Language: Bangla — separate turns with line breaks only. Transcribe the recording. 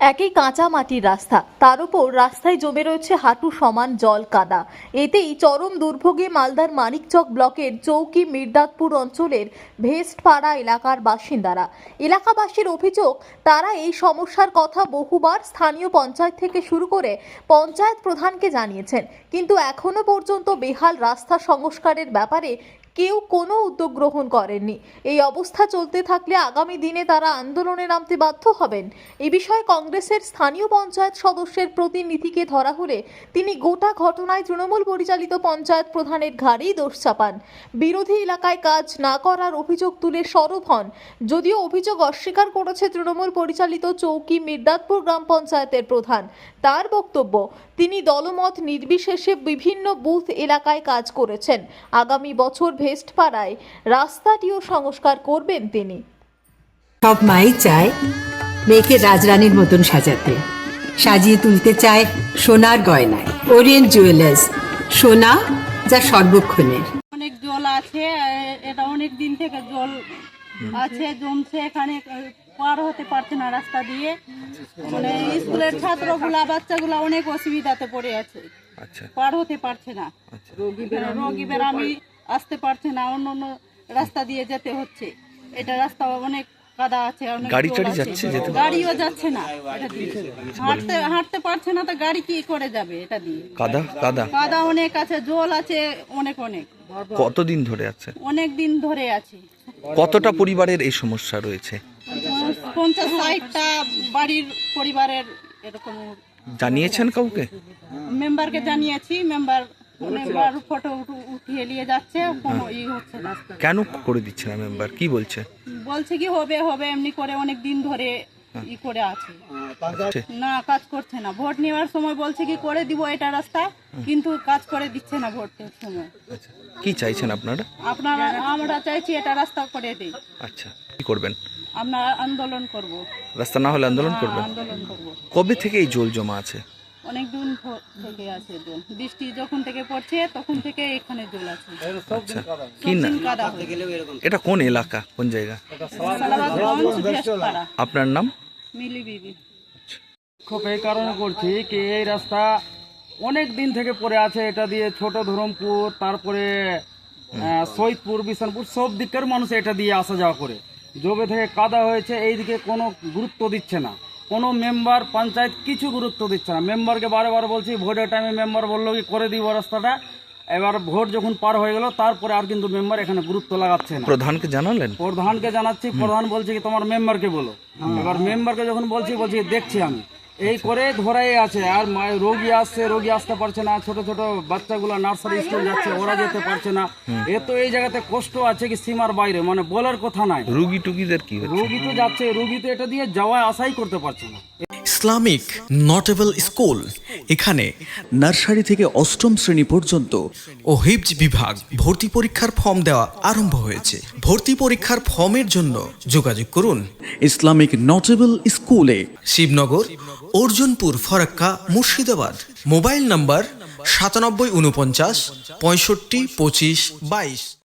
একই কাঁচা মাটির রাস্তা, তার উপর রাস্তায় জমে রয়েছে হাঁটু সমান জল কাদা। এতেই চরম দুর্ভোগে মালদার মানিকচক ব্লকের চৌকি মির্দাতপুর অঞ্চলের ভেস্টপাড়া এলাকার বাসিন্দারা। এলাকাবাসীর অভিযোগ, তারা এই সমস্যার কথা বহুবার স্থানীয় পঞ্চায়েত থেকে শুরু করে পঞ্চায়েত প্রধানকে জানিয়েছেন, কিন্তু এখনো পর্যন্ত বেহাল রাস্তা সংস্কারের ব্যাপারে কেউ কোনো উদ্যোগ গ্রহণ করেননি। এই অবস্থা চলতে থাকলে আগামী দিনে তারা আন্দোলনে নামতে বাধ্য হবেন। এই বিষয়ে কংগ্রেসের স্থানীয় পঞ্চায়েত সদস্যের প্রতিনিধিকে ধরা হলে তিনি গোটা ঘটনায় তৃণমূল পরিচালিত পঞ্চায়েত প্রধানের ঘাড়েই দোষ চাপান। বিরোধী এলাকায় কাজ না করার অভিযোগ তুলে সরব হন। যদিও অভিযোগ অস্বীকার করেছে তৃণমূল পরিচালিত চৌকি মির্দাতপুর গ্রাম পঞ্চায়েতের প্রধান। তার বক্তব্য, তিনি দলমত নির্বিশেষে বিভিন্ন বুথ এলাকায় কাজ করেছেন। আগামী বছর ভেস্টপাড়ায় রাস্তাটিও সংস্কার করবেন তিনি।
সব মাই চায় মেয়েকে রাজরানীর মতন সাজাতে, সাজিয়ে তুলতে চায় সোনার গয়নায়। ওরিয়েন্ট জুয়েলার্স, সোনা যা সর্বক্ষণের।
অনেক জল আছে, এটা অনেক দিন থেকে জল আছে, জমছে, এখানে পার হতে পারছে না রাস্তা দিয়ে। মানে স্কুলের ছাত্রগুলা বাচ্চাগুলা অনেক অসুবিধাতে পড়ে আছে, পার হতে পারছে না। রোগী বেরামি আসতে পারছে না, অন্য অন্য রাস্তা দিয়ে যেতে হচ্ছে। এটা রাস্তা অনেক কাদা আছে, গাড়িও যাচ্ছে না, হাঁটতে পারছে না, তো গাড়ি কি করে যাবে? এটা দিয়ে কাদা অনেক আছে, জল আছে অনেক অনেক।
কতদিন ধরে আছে?
অনেক দিন ধরে আছে।
কতটা পরিবারের এই সমস্যা রয়েছে?
50-60টা বাড়ির পরিবারের এরকম।
জানিয়েছেন কাউকে?
মেম্বারকে জানিয়েছি, মেম্বার ফটো উঠিয়ে নিয়ে যাচ্ছে, কোনো হচ্ছে না।
কেন করে দিচ্ছে না মেম্বার? কি বলছে?
বলছে কি হবে হবে এমনি করে অনেক দিন ধরে করে আছে, না কাজ করছে না। ভোট নেওয়ার সময় বলছে কি করে দিব এটা রাস্তা, কিন্তু কাজ করে দিচ্ছে না ভোটের সময়।
কি চাইছেন আপনারা?
আমরা চাইছি এটা রাস্তা করে দেই।
আচ্ছা, কি করবেন?
আমরা আন্দোলন করব।
রাস্তা না হলে আন্দোলন করবেন?
আন্দোলন করব।
কবে থেকে এই জল জমা আছে?
অনেক দিন থেকে আছে জল, বৃষ্টি যখন থেকে পড়ছে তখন থেকে এখানে জল আছে।
আচ্ছা, কি না এটা কোন এলাকা, কোন জায়গা? আপনার নাম?
মিলি বিবি।
খুব এই কারণে করছি কি এই রাস্তা অনেক দিন থেকে পড়ে আছে। এটা দিয়ে ছোট ধরমপুর, তারপরে সৈয়দপুর, বিশানপুর সব দিকের মানুষ এটা দিয়ে আসা যাওয়া করে। জবে থেকে কাদা হয়েছে, এইদিকে কোনো গুরুত্ব দিচ্ছে না কোনো মেম্বার, পঞ্চায়েত কিছু গুরুত্ব দিচ্ছে না। মেম্বারকে বারে বলছি, ভোটের টাইমে মেম্বার বললো কি করে দিব রাস্তাটা। এবার ভোট যখন পার হয়ে গেল তারপরে আর কিন্তু মেম্বার এখানে গুরুত্ব লাগাচ্ছে না।
প্রধানকে জানালেন?
প্রধানকে জানাচ্ছি, প্রধান বলছে কি তোমার মেম্বারকে বলো। এবার মেম্বারকে যখন বলছি দেখছি আমি এই করে ধরাই আছে। আর রোগী আসতে পারছে না, ছোট ছোট বাচ্চাগুলো নার্সারি স্কুল যাচ্ছে, ওরা যেতে পারছে না। এ তো এই জায়গাতে কষ্ট আছে কি সীমার বাইরে, মানে বলার কথা নাই।
রোগী টুগীদের কি হচ্ছে?
রোগী তো যাচ্ছে, রোগী তো এটা দিয়ে যাওয়া আসাই করতে পারছে না।
ইসলামিক নোটেবল স্কুল, এখানে নার্সারি থেকে অষ্টম শ্রেণী পর্যন্ত ও হিফজ বিভাগ। ভর্তি পরীক্ষার ফর্ম দেওয়া আরম্ভ হয়েছে। ভর্তি পরীক্ষার ফর্মের জন্য যোগাযোগ করুন ইসলামিক নোটেবল স্কুলে, শিবনগর, অর্জুনপুর, ফরাক্কা, মুর্শিদাবাদ। Mobile number 9749 65 25 22।